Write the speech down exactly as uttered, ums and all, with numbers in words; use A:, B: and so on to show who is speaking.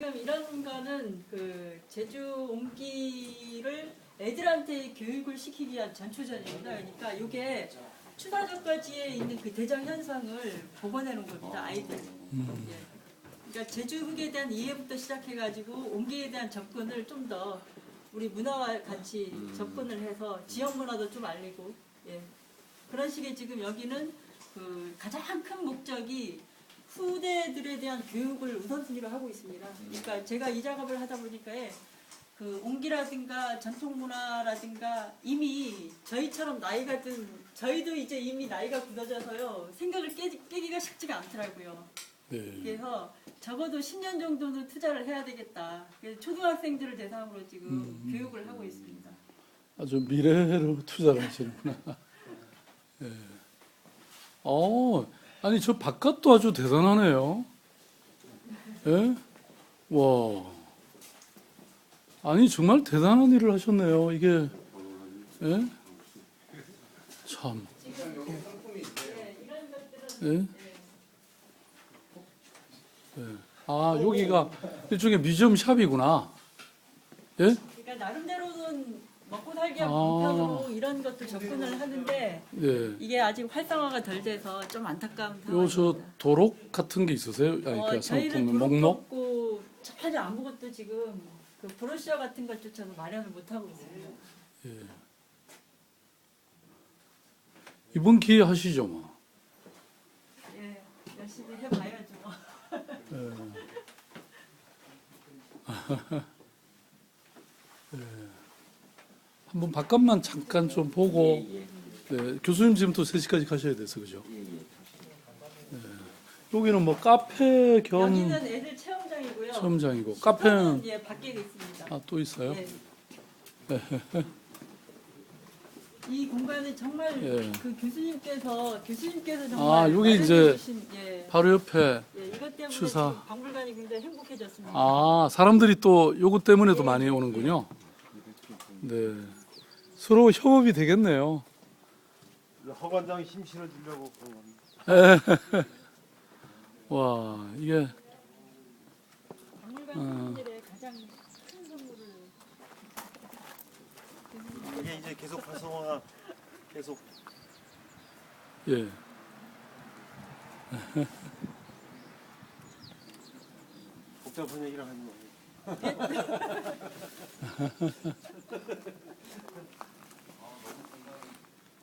A: 지금 이런 거는 그 제주 옮기를 애들한테 교육을 시키기 위한 전초전입니다. 그러니까 이게 추사전까지에 있는 그 대장 현상을 복원해 놓은 겁니다. 아이들.
B: 음.
A: 예. 그러니까 제주 흑에 대한 이해부터 시작해가지고 옮기에 대한 접근을 좀 더 우리 문화와 같이 접근을 해서 지역 문화도 좀 알리고, 예. 그런 식의 지금 여기는 그 가장 큰 목적이 후대들에 대한 교육을 우선순위로 하고 있습니다. 그러니까 제가 이 작업을 하다 보니까 그 옹기라든가 전통문화라든가 이미 저희처럼 나이가 든 저희도 이제 이미 나이가 굳어져서요 생각을 깨, 깨기가 쉽지가 않더라고요.
B: 네.
A: 그래서 적어도 십 년 정도는 투자를 해야 되겠다. 그래서 초등학생들을 대상으로 지금
B: 음.
A: 교육을 하고 있습니다.
B: 아주 미래로 투자를 하시는구나. 예. 어, 아니 저 바깥도 아주 대단하네요. 예? 와. 아니 정말 대단한 일을 하셨네요. 이게 예? 참. 예? 예. 아 여기가 일종의 뮤지엄 샵이구나. 예?
A: 그러니까 나름대로는 먹고 살기
B: 아.
A: 방편으로 이런 것도 접근을 하는데
B: 예.
A: 이게 아직 활성화가 덜 돼서 좀 안타까운
B: 요 저
A: 상황입니다.
B: 도록 같은 게 있으세요? 아니
A: 어,
B: 그러니까
A: 저희는
B: 상품
A: 도록
B: 목록?
A: 없고 전혀 아무것도 지금 그 브로셔 같은 것조차도 마련을 못 하고 있습니다.
B: 예. 이번 기회에 하시죠 뭐.
A: 예, 열심히 해봐야죠.
B: 예. 예. 한번 바깥만 잠깐 좀 보고. 네, 교수님 지금 또 세 시까지 가셔야 돼서 그죠? 네. 여기는 뭐 카페 겸
A: 여기는 애들 체험장이고요.
B: 체험장이고
A: 슈퍼는,
B: 카페는
A: 예, 밖에 있습니다.
B: 아, 또 있어요?
A: 예. 이 공간은 정말
B: 예.
A: 그 교수님께서 교수님께서 정말
B: 아, 여기 이제
A: 마련해 주신, 예,
B: 바로 옆에
A: 예, 이것 때문에
B: 추사.
A: 지금 박물관이 굉장히 행복해졌습니다.
B: 아 사람들이 또 요거 때문에도
A: 예,
B: 많이
A: 예,
B: 오는군요. 네, 서로 협업이 되겠네요.
C: 허관장이 힘 실어주려고 그런 겁니다.
B: 와 이게
A: 박물관
B: 어.
A: 주민들의 가장 큰 선물을
C: 이게 이제 계속 활성화 계속
B: 예.
C: 복잡한 얘기를 하지 마.